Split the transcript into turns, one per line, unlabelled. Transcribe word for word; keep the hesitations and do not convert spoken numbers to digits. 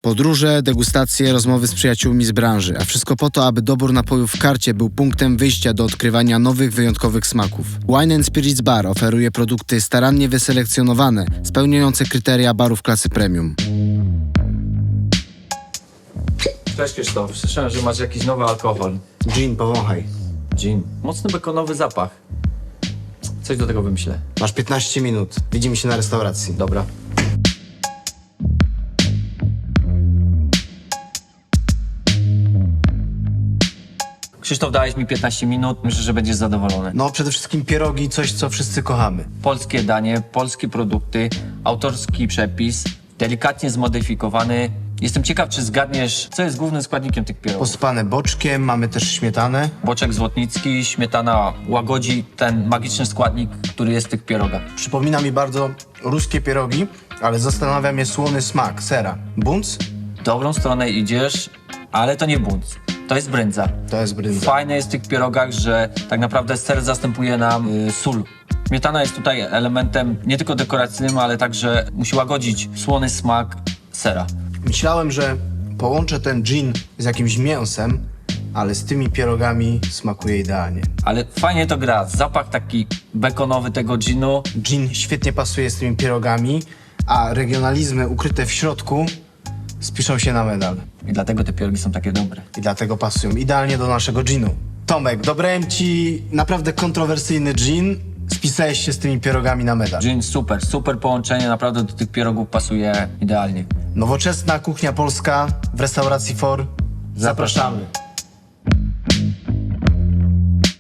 Podróże, degustacje, rozmowy z przyjaciółmi z branży, a wszystko po to, aby dobór napojów w karcie był punktem wyjścia do odkrywania nowych, wyjątkowych smaków. Wine and Spirits Bar oferuje produkty starannie wyselekcjonowane, spełniające kryteria barów klasy premium.
Cześć Krzysztof, słyszałem, że masz jakiś nowy alkohol.
Gin, powąchaj.
Gin. Mocny bekonowy zapach. Coś do tego wymyślę.
Masz piętnaście minut. Widzimy się na restauracji.
Dobra. Krzysztof, dałeś mi piętnaście minut, myślę, że będziesz zadowolony.
No, przede wszystkim pierogi, coś, co wszyscy kochamy.
Polskie danie, polskie produkty, autorski przepis, delikatnie zmodyfikowany. Jestem ciekaw, czy zgadniesz, co jest głównym składnikiem tych pierogów.
Posypane boczkiem, mamy też śmietanę.
Boczek złotnicki, śmietana łagodzi ten magiczny składnik, który jest w tych pierogach.
Przypomina mi bardzo ruskie pierogi, ale zastanawia mnie słony smak sera. Bunc?
W dobrą stronę idziesz, ale to nie bunt. To jest brędza.
To jest brynza.
Fajne jest w tych pierogach, że tak naprawdę ser zastępuje nam y, sól. Śmietana jest tutaj elementem nie tylko dekoracyjnym, ale także musi łagodzić słony smak sera.
Myślałem, że połączę ten gin z jakimś mięsem, ale z tymi pierogami smakuje idealnie.
Ale fajnie to gra. Zapach taki bekonowy tego ginu.
Gin świetnie pasuje z tymi pierogami, a regionalizmy ukryte w środku spiszą się na medal.
I dlatego te pierogi są takie dobre.
I dlatego pasują idealnie do naszego ginu. Tomek, dobrałem ci naprawdę kontrowersyjny gin. Spisałeś się z tymi pierogami na medal.
Gin super, super połączenie, naprawdę do tych pierogów pasuje idealnie.
Nowoczesna kuchnia polska w restauracji For. Zapraszamy.